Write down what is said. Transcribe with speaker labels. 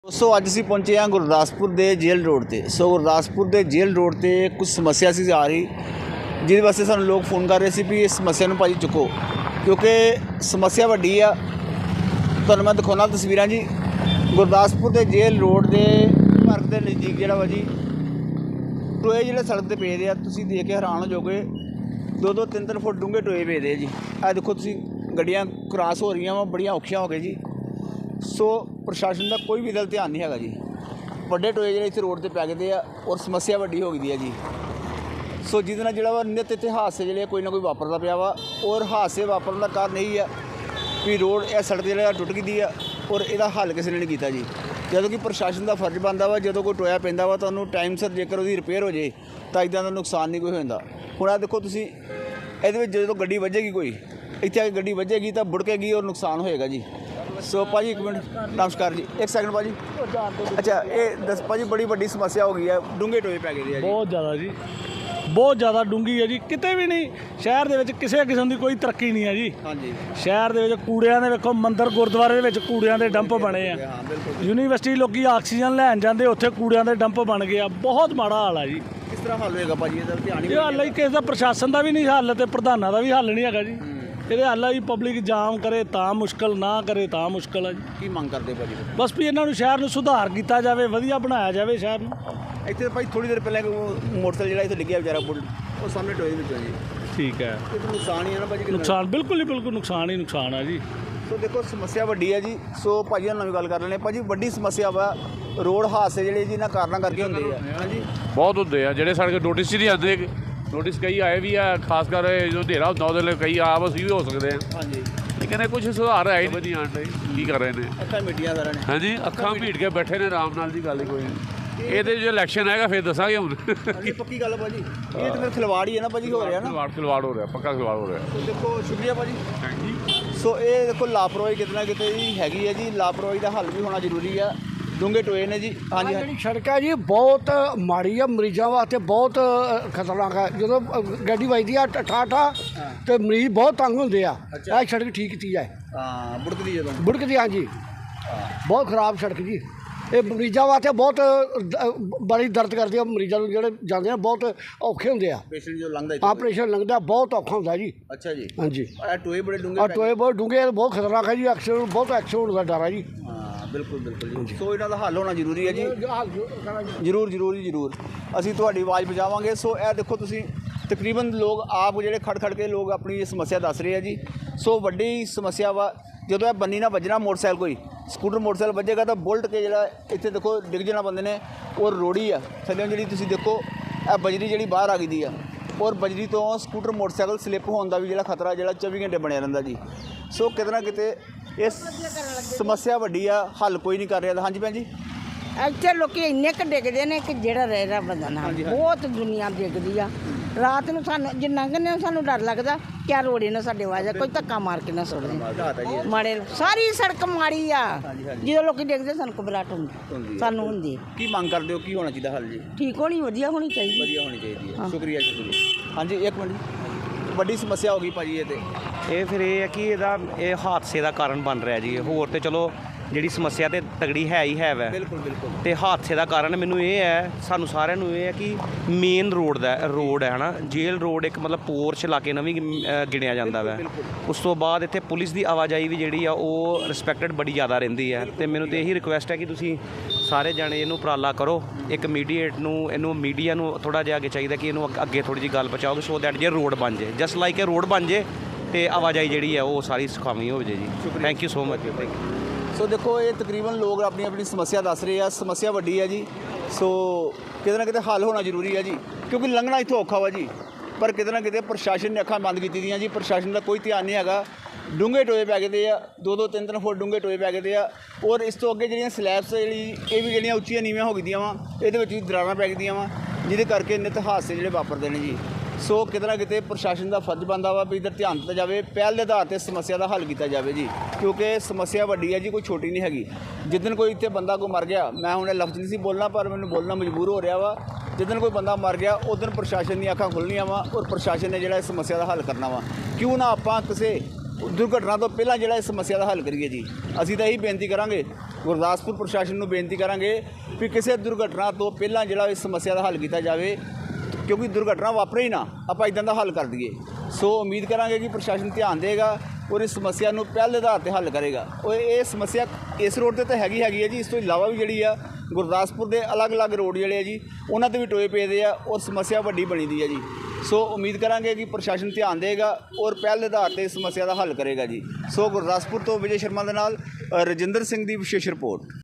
Speaker 1: सो अज असीं पहुंचे हाँ गुरदासपुर के जेल रोड पर। सो गुरदासपुर के जेल रोड पर कुछ समस्या सी आ रही, जिस वास्ते सानूं लोग फोन कर रहे थे भी इस समस्या नूं भाई चुको, क्योंकि समस्या वड्डी आ। तुहानूं मैं दिखाउणा तस्वीरां जी। गुरदासपुर के जेल रोड के पार्क के नज़दीक जिहड़ा वा जी टोए जिहड़े सड़क पर पे दे आ, तुसीं देख के हैरान हो जाओगे। 2-2 3-3 फुट डूंघे टोए पे दे जी। आ देखो तुसीं गड्डियां क्रॉस हो रही वा, बड़ियां औखियां हो गए जी। सो प्रशासन का कोई भी गल ध्यान नहीं है जी। बड़े टोए जो इतने रोड पर पै गए और समस्या वड्डी हो गई है जी। सो जिस जोड़ा वा नित इतने हादसे जोड़े कोई ना कोई वापरता पाया वा, और हादसे वापरन का कारण यही है भी रोड यह सड़क जो टुट गई है और यदा हल किसी ने नहीं किया जी। जो कि प्रशासन का फर्ज बनता वा, जो कोई टोया पैंदा वा तो टाइम सिर जेकर उसकी रिपेयर हो जाए तो इदा का नुकसान नहीं कोई होता। हुण आ देखो तुसीं ये जो गड्डी वजेगी, कोई इत्थे आके गड्डी वजेगी तो बुड़केगी और नुकसान होएगा जी। सो भाजी एक मिनट, नमस्कार जी, एक सेकंड भाजी। अच्छा ये दस भाजी, बड़ी वड्डी समस्या हो गई है, डूंघे टोए पै गए
Speaker 2: बहुत ज़्यादा जी, बहुत ज़्यादा डूंघी है जी। किते भी नहीं शहर दे विच किसी किस्म की कोई तरक्की नहीं है जी।
Speaker 1: हाँ जी,
Speaker 2: शहर दे विच कूड़ियां दे वेखो, मंदिर गुरुद्वारे दे विच कूड़ियां दे डंप बने आ। यूनीवर्सिटी लोग ऑक्सीजन लैन जाते, उत्थे कूड़ियां दे डंप बन गए। बहुत माड़ा हाल है जी।
Speaker 1: किस तरह हल होएगा भाजी?
Speaker 2: ये हल ही किसी का प्रशासन का भी नहीं हल, तो प्रधाना का भी हल नहीं है जी। ये हल है पब्लिक जाम करे तो मुश्किल, ना करे तो मुश्किल है जी।
Speaker 1: की मंग करते भाजी?
Speaker 2: बस भी इन्होंने शहर में सुधार किया जाए, वधिया बनाया जाए शहर में।
Speaker 1: इतने भाई थोड़ी देर पहले मोटरसाइकिल जो इतने डिग्या बेचारा बुल, वो सामने टोए में जी।
Speaker 2: ठीक है,
Speaker 1: ये तो नुकसान ही है ना भाजी?
Speaker 2: नुकसान बिल्कुल ही, बिल्कुल नुकसान ही नुकसान है जी।
Speaker 1: सो देखो समस्या वड्डी है जी। सो भाजी नाल नवीं गल कर लेने भाजी, वड्डी समस्या वा रोड हादसे जिहड़े जी इन्हां कारणा करके हुंदे आ। हाँ जी,
Speaker 3: बहुत होंगे आ ਜਿਹੜੇ ਸਾਡੇ ਨੋਟਿਸ ਹੀ ਨਹੀਂ ਆਉਂਦੇ। ਨੋਟਿਸ ਕਈ ਆਏ ਵੀ ਆ, ਖਾਸ ਕਰ ਜਦੋਂ ਹਨੇਰਾ ਹੁੰਦਾ ਉਹਦੇ ਲਈ ਕਈ ਆਪ ਅਸੀਂ ਵੀ ਹੋ ਸਕਦੇ ਹਾਂ।
Speaker 1: ਹਾਂਜੀ,
Speaker 3: ਲੇਕਿਨ ਇਹ ਕੁਝ ਸੁਧਾਰ ਹੈ ਹੀ ਨਹੀਂ ਆਉਣ ਲਈ। ਕੀ ਕਰ ਰਹੇ ਨੇ?
Speaker 1: ਅੱਖਾਂ ਮੀਡੀਆ ਸਾਰਿਆਂ ਨੇ।
Speaker 3: ਹਾਂਜੀ, ਅੱਖਾਂ ਭੀੜ ਕੇ ਬੈਠੇ ਨੇ ਆਰਾਮ ਨਾਲ ਦੀ ਗੱਲ ਹੀ ਕੋਈ ਨਹੀਂ। ਇਹਦੇ ਜੇ ਇਲੈਕਸ਼ਨ ਆਏਗਾ ਫਿਰ ਦੱਸਾਂਗੇ ਹੁਣ।
Speaker 1: ਹਾਂਜੀ ਪੱਕੀ ਗੱਲ ਭਾਜੀ, ਇਹ ਤਾਂ ਫਿਰ ਖਿਲਵਾੜ ਹੀ ਹੈ ਨਾ ਭਾਜੀ, ਹੋ ਰਿਹਾ ਨਾ
Speaker 3: ਖਿਲਵਾੜ ਹੋ ਰਿਹਾ, ਪੱਕਾ ਖਿਲਵਾੜ ਹੋ ਰਿਹਾ।
Speaker 1: ਸੋ ਦੇਖੋ ਸ਼ੁਕਰੀਆ ਭਾਜੀ।
Speaker 3: ਹਾਂਜੀ,
Speaker 1: ਸੋ ਇਹ ਦੇਖੋ ਲਾਪਰਵਾਹੀ ਕਿਤੇ ਨਾ ਕਿਤੇ ਹੀ ਹੈਗੀ ਹੈ ਜੀ। ਲਾਪਰਵਾਹੀ ਦਾ ਹੱਲ ਵੀ ਹੋਣਾ ਜ਼ਰੂਰੀ ਆ। ਡੂੰਘੇ ਟੋਏ ਨੇ ਜੀ। ਹਾਂਜੀ
Speaker 4: ਜਿਹੜੀ ਸੜਕ ਹੈ ਜੀ ਬਹੁਤ ਮਾੜੀ ਆ, ਮਰੀਜ਼ਾਂ ਵਾਸਤੇ ਬਹੁਤ ਖਤਰਨਾਕ ਹੈ। ਜਦੋਂ ਗੱਡੀ ਵੱਜਦੀ ਆ ਠਾਠਾ ਤੇ ਮਰੀਜ਼ ਬਹੁਤ ਤੰਗ ਹੁੰਦੇ ਆ। ਇਹ ਸੜਕ ਠੀਕ ਕੀਤੀ ਜਾਏ।
Speaker 1: ਹਾਂ, ਬੁੜਕਦੀ ਜਦੋਂ
Speaker 4: ਬੁੜਕਦੀ, ਹਾਂਜੀ ਬਹੁਤ ਖਰਾਬ ਸੜਕ ਜੀ। ਇਹ ਮਰੀਜ਼ਾਂ ਵਾਸਤੇ ਬਹੁਤ ਬੜੀ ਦਰਦ ਕਰਦੀ ਆ। ਮਰੀਜ਼ਾਂ ਨੂੰ ਜਿਹੜੇ ਜਾਂਦੇ ਆ ਬਹੁਤ ਔਖੇ ਹੁੰਦੇ ਆ।
Speaker 1: ਪੇਸ਼ੈਂਟ ਜੋ ਲੰਘਦਾ
Speaker 4: ਆਪਰੇਸ਼ਨ ਲੰਘਦਾ ਬਹੁਤ ਔਖਾ ਹੁੰਦਾ ਜੀ।
Speaker 1: ਅੱਛਾ ਜੀ,
Speaker 4: ਹਾਂਜੀ,
Speaker 1: ਇਹ ਟੋਏ ਬੜੇ ਡੂੰਘੇ
Speaker 4: ਆ ਟੋਏ ਬਹੁਤ ਡੂੰਘੇ, ਬਹੁਤ ਖਤਰਨਾਕ ਹੈ ਜੀ। ਐਕਸੀਡੈਂਟ, ਬਹੁਤ ਐਕਸੀਡੈਂਟ ਦਾ ਡਰ ਹੈ ਜੀ।
Speaker 1: ਬਿਲਕੁਲ ਬਿਲਕੁਲ ਜੀ। ਸੋ ਇਹਨਾਂ ਦਾ ਹੱਲ ਹੋਣਾ ਜ਼ਰੂਰੀ ਹੈ ਜੀ। ਜ਼ਰੂਰ ਜ਼ਰੂਰ ਜੀ, ਜ਼ਰੂਰ ਅਸੀਂ ਤੁਹਾਡੀ ਆਵਾਜ਼ ਪਹੁੰਚਾਵਾਂਗੇ। ਸੋ ਇਹ ਦੇਖੋ ਤੁਸੀਂ ਤਕਰੀਬਨ ਲੋਕ ਆਪ ਜਿਹੜੇ ਖੜ ਕੇ ਲੋਕ ਆਪਣੀ ਇਹ ਸਮੱਸਿਆ ਦੱਸ ਰਹੇ ਆ ਜੀ। ਸੋ ਵੱਡੀ ਸਮੱਸਿਆ ਵਾ ਜਦੋਂ ਇਹ ਬੰਨੀ ਨਾ ਵੱਜਣਾ ਮੋਟਰਸਾਈਕਲ, ਕੋਈ ਸਕੂਟਰ ਮੋਟਰਸਾਈਕਲ ਵੱਜੇਗਾ ਤਾਂ ਬੁਲਟ ਕੇ ਜਿਹੜਾ ਇੱਥੇ ਦੇਖੋ ਡਿੱਗ ਜਾਣਾ ਬੰਦੇ ਨੇ। ਔਰ ਰੋੜੀ ਆ ਥੱਲੇ ਜਿਹੜੀ ਤੁਸੀਂ ਦੇਖੋ, ਇਹ ਬਜਰੀ ਜਿਹੜੀ ਬਾਹਰ ਆ ਗਈ ਦੀ ਆ, ਔਰ ਬਜਰੀ ਤੋਂ ਸਕੂਟਰ ਮੋਟਰਸਾਈਕਲ ਸਲਿੱਪ ਹੋਣ ਦਾ ਵੀ ਜਿਹੜਾ ਖਤਰਾ ਜਿਹੜਾ 24 ਘੰਟੇ ਬਣਿਆ ਰਹਿੰਦਾ ਜੀ। ਸੋ ਕਿਤੇ ਨਾ ਕਿਤੇ ਇਸ ਸਮੱਸਿਆ ਵੱਡੀ ਆ, ਹੱਲ ਕੋਈ ਨਹੀਂ ਕਰ ਰਿਹਾ। ਹਾਂਜੀ ਭੈਣ ਜੀ,
Speaker 5: ਇੱਥੇ ਲੋਕੀ ਇੰਨੇ ਕੁ ਡਿੱਗਦੇ ਨੇ ਕਿ ਜਿਹੜਾ ਰਹਿ ਰਿਹਾ ਬੰਦਾ ਨਾ, ਬਹੁਤ ਦੁਨੀਆ ਡਿੱਗਦੀ ਆ। ਰਾਤ ਨੂੰ ਸਾਨੂੰ ਜੇ ਲੰਘਦੇ ਸਾਨੂੰ ਡਰ ਲੱਗਦਾ ਕਿਆ ਰੋੜੇ ਨਾ ਸਾਡੇ ਵਾਜਾ ਕੋਈ ਧੱਕਾ ਮਾਰ ਕੇ ਨਾ ਸੁੱਟ ਦੇ। ਮਾੜੇ ਸਾਰੀ ਸੜਕ ਮਾੜੀ ਆ। ਜਦੋਂ ਲੋਕੀ ਡਿੱਗਦੇ ਸਾਨੂੰ ਘਬਰਾਹਟ ਹੁੰਦੀ, ਸਾਨੂੰ ਹੁੰਦੀ।
Speaker 1: ਕੀ ਮੰਗ ਕਰਦੇ ਹੋ, ਕੀ ਹੋਣਾ ਚਾਹੀਦਾ ਹੱਲ ਜੀ?
Speaker 5: ਠੀਕ ਹੋਣੀ, ਵਧੀਆ ਹੋਣੀ ਚਾਹੀਦੀ,
Speaker 1: ਵਧੀਆ ਹੋਣੀ ਚਾਹੀਦੀ ਹੈ। ਸ਼ੁਕਰੀਆ ਸ਼ੁਕਰੀਆ। ਹਾਂਜੀ ਇੱਕ ਮਿੰਟ, ਵੱਡੀ ਸਮੱਸਿਆ ਹੋ ਗਈ ਭਾਜੀ ਇਹ ਤੇ।
Speaker 6: ਇਹ ਫਿਰ ਇਹ ਹੈ ਕਿ ਇਹ ਹਾਦਸੇ ਦਾ ਕਾਰਨ ਬਣ ਰਿਹਾ ਜੀ। ਹੋਰ ਤੇ ਚਲੋ ਜਿਹੜੀ ਸਮੱਸਿਆ ਤੇ ਤਗੜੀ ਹੈ ਹੀ ਹੈ ਵੈ,
Speaker 1: ਬਿਲਕੁਲ ਬਿਲਕੁਲ।
Speaker 6: ਤੇ ਹਾਦਸੇ ਦਾ ਕਾਰਨ ਮੈਨੂੰ ਇਹ ਹੈ, ਸਾਨੂੰ ਸਾਰਿਆਂ ਨੂੰ ਇਹ ਹੈ ਕਿ ਮੇਨ ਰੋਡ ਹੈ ਨਾ, ਜੇਲ੍ਹ ਰੋਡ ਇੱਕ ਮਤਲਬ ਪੋਰਸ਼ ਇਲਾਕੇ ਨਾਲ ਵੀ ਗਿਣਿਆ ਜਾਂਦਾ ਵੈ। ਉਸ ਤੋਂ ਬਾਅਦ ਇੱਥੇ ਪੁਲਿਸ ਦੀ ਆਵਾਜਾਈ ਵੀ ਜਿਹੜੀ ਆ ਉਹ ਰਿਸਪੈਕਟਡ ਬੜੀ ਜ਼ਿਆਦਾ ਰਹਿੰਦੀ ਹੈ। ਤੇ ਮੈਨੂੰ ਤੇ ਇਹੀ ਰਿਕੁਐਸਟ ਹੈ ਕਿ ਤੁਸੀਂ ਸਾਰੇ ਜਾਣੇ ਇਹਨੂੰ ਉਪਰਾਲਾ ਕਰੋ। ਇੱਕ ਇਹਨੂੰ ਮੀਡੀਆ ਨੂੰ ਥੋੜ੍ਹਾ ਜਿਹਾ ਅੱਗੇ ਚਾਹੀਦਾ ਕਿ ਇਹਨੂੰ ਅੱਗੇ ਥੋੜ੍ਹੀ ਜਿਹੀ ਗੱਲ ਪਹੁੰਚਾਓ, ਸੋ ਦੈਟ ਜੇ ਰੋਡ ਬਣ ਜੇ, ਜਸਟ ਲਾਈਕ ਇਹ ਰੋਡ ਬਣ ਜੇ ਤੇ ਆਵਾਜਾਈ ਜਿਹੜੀ ਹੈ ਉਹ ਸਾਰੀ ਸੁਖਾਵੀਂ ਹੋ ਜਾਏ ਜੀ। Thank you so much. Thank you.
Speaker 1: ਸੋ ਦੇਖੋ ਇਹ ਤਕਰੀਬਨ ਲੋਕ ਆਪਣੀ ਆਪਣੀ ਸਮੱਸਿਆ ਦੱਸ ਰਹੇ ਆ। ਸਮੱਸਿਆ ਵੱਡੀ ਹੈ ਜੀ। ਸੋ ਕਿਤੇ ਨਾ ਕਿਤੇ ਹੱਲ ਹੋਣਾ ਜ਼ਰੂਰੀ ਹੈ ਜੀ, ਕਿਉਂਕਿ ਲੰਘਣਾ ਇੱਥੋਂ ਔਖਾ ਵਾ ਜੀ। ਪਰ ਕਿਤੇ ਨਾ ਕਿਤੇ ਪ੍ਰਸ਼ਾਸਨ ਨੇ ਅੱਖਾਂ ਬੰਦ ਕੀਤੀ ਦੀਆਂ ਜੀ। ਪ੍ਰਸ਼ਾਸਨ ਦਾ ਕੋਈ ਧਿਆਨ ਨਹੀਂ ਹੈਗਾ। ਡੂੰਘੇ ਟੋਏ ਪੈ ਗਏ ਆ, 2-2 3-3 ਫੁੱਟ ਡੂੰਘੇ ਟੋਏ ਪੈ ਗਏ ਆ। ਔਰ ਇਸ ਤੋਂ ਅੱਗੇ ਜਿਹੜੀਆਂ ਸਲੈਬਸ ਇਹ ਵੀ ਜਿਹੜੀਆਂ ਉੱਚੀਆਂ ਨੀਵੀਆਂ ਹੋ ਗਈਆਂ ਵਾ, ਇਹਦੇ ਵਿੱਚ ਵੀ ਦਰਾਰਾਂ ਪੈ ਗਈਆਂ ਵਾ, ਜਿਹਦੇ ਕਰਕੇ ਨਿੱਤ ਹਾਦਸੇ ਜਿਹੜੇ ਵਾਪਰਦੇ ਨੇ ਜੀ। ਸੋ ਕਿਤੇ ਨਾ ਕਿਤੇ ਪ੍ਰਸ਼ਾਸਨ ਦਾ ਫਰਜ਼ ਬਣਦਾ ਵਾ ਵੀ ਇੱਧਰ ਧਿਆਨ ਦਿੱਤਾ ਜਾਵੇ, ਪਹਿਲ ਦੇ ਆਧਾਰ 'ਤੇ ਸਮੱਸਿਆ ਦਾ ਹੱਲ ਕੀਤਾ ਜਾਵੇ ਜੀ। ਕਿਉਂਕਿ ਸਮੱਸਿਆ ਵੱਡੀ ਹੈ ਜੀ, ਕੋਈ ਛੋਟੀ ਨਹੀਂ ਹੈਗੀ। ਜਿੱਦਣ ਕੋਈ ਇੱਥੇ ਬੰਦਾ ਕੋਈ ਮਰ ਗਿਆ, ਮੈਂ ਹੁਣ ਇਹ ਲਫ਼ਜ਼ ਨਹੀਂ ਸੀ ਬੋਲਣਾ ਪਰ ਮੈਨੂੰ ਬੋਲਣਾ ਮਜਬੂਰ ਹੋ ਰਿਹਾ ਵਾ। ਜਿੱਦਣ ਕੋਈ ਬੰਦਾ ਮਰ ਗਿਆ ਉਦੋਂ ਪ੍ਰਸ਼ਾਸਨ ਦੀਆਂ ਅੱਖਾਂ ਖੁੱਲ੍ਹਣੀਆਂ ਵਾ ਔਰ ਪ੍ਰਸ਼ਾਸਨ ਨੇ ਜਿਹੜਾ ਇਸ ਸਮੱਸਿਆ ਦਾ ਹੱਲ ਕਰਨਾ ਵਾ। ਕਿਉਂ ਨਾ ਆਪਾਂ ਕਿਸੇ ਦੁਰਘਟਨਾ ਤੋਂ ਪਹਿਲਾਂ ਜਿਹੜਾ ਇਸ ਸਮੱਸਿਆ ਦਾ ਹੱਲ ਕਰੀਏ ਜੀ। ਅਸੀਂ ਤਾਂ ਇਹੀ ਬੇਨਤੀ ਕਰਾਂਗੇ, ਗੁਰਦਾਸਪੁਰ ਪ੍ਰਸ਼ਾਸਨ ਨੂੰ ਬੇਨਤੀ ਕਰਾਂਗੇ ਵੀ ਕਿਸੇ ਦੁਰਘਟਨਾ ਤੋਂ ਪਹਿਲਾਂ ਜਿਹੜਾ ਇਸ ਸਮੱਸਿਆ ਦਾ ਹੱਲ ਕੀਤਾ ਜਾਵੇ, ਕਿਉਂਕਿ ਦੁਰਘਟਨਾ ਵਾਪਰੇ ਹੀ ਨਾ, ਆਪਾਂ ਇਦਾਂ ਦਾ ਹੱਲ ਕਰ ਦਈਏ। ਸੋ ਉਮੀਦ ਕਰਾਂਗੇ ਕਿ ਪ੍ਰਸ਼ਾਸਨ ਧਿਆਨ ਦੇਗਾ ਔਰ ਇਸ ਸਮੱਸਿਆ ਨੂੰ ਪਹਿਲ ਦੇ ਆਧਾਰ 'ਤੇ ਹੱਲ ਕਰੇਗਾ। ਔਰ ਇਹ ਸਮੱਸਿਆ ਇਸ ਰੋਡ 'ਤੇ ਤਾਂ ਹੈਗੀ ਹੈ ਜੀ, ਇਸ ਤੋਂ ਇਲਾਵਾ ਵੀ ਜਿਹੜੀ ਆ ਗੁਰਦਾਸਪੁਰ ਦੇ ਅਲੱਗ-ਅਲੱਗ ਰੋਡ ਜਿਹੜੇ ਆ ਜੀ ਉਹਨਾਂ 'ਤੇ ਵੀ ਟੋਏ ਪਏ ਆ ਔਰ ਸਮੱਸਿਆ ਵੱਡੀ ਬਣੀ ਦੀ ਹੈ ਜੀ। ਸੋ ਉਮੀਦ ਕਰਾਂਗੇ ਕਿ ਪ੍ਰਸ਼ਾਸਨ ਧਿਆਨ ਦੇਗਾ ਔਰ ਪਹਿਲ ਦੇ ਆਧਾਰ 'ਤੇ ਇਸ ਸਮੱਸਿਆ ਦਾ ਹੱਲ ਕਰੇਗਾ ਜੀ। ਸੋ ਗੁਰਦਾਸਪੁਰ ਤੋਂ ਵਿਜੇ ਸ਼ਰਮਾ ਦੇ ਨਾਲ ਰਜਿੰਦਰ ਸਿੰਘ ਦੀ ਵਿਸ਼ੇਸ਼ ਰਿਪੋਰਟ।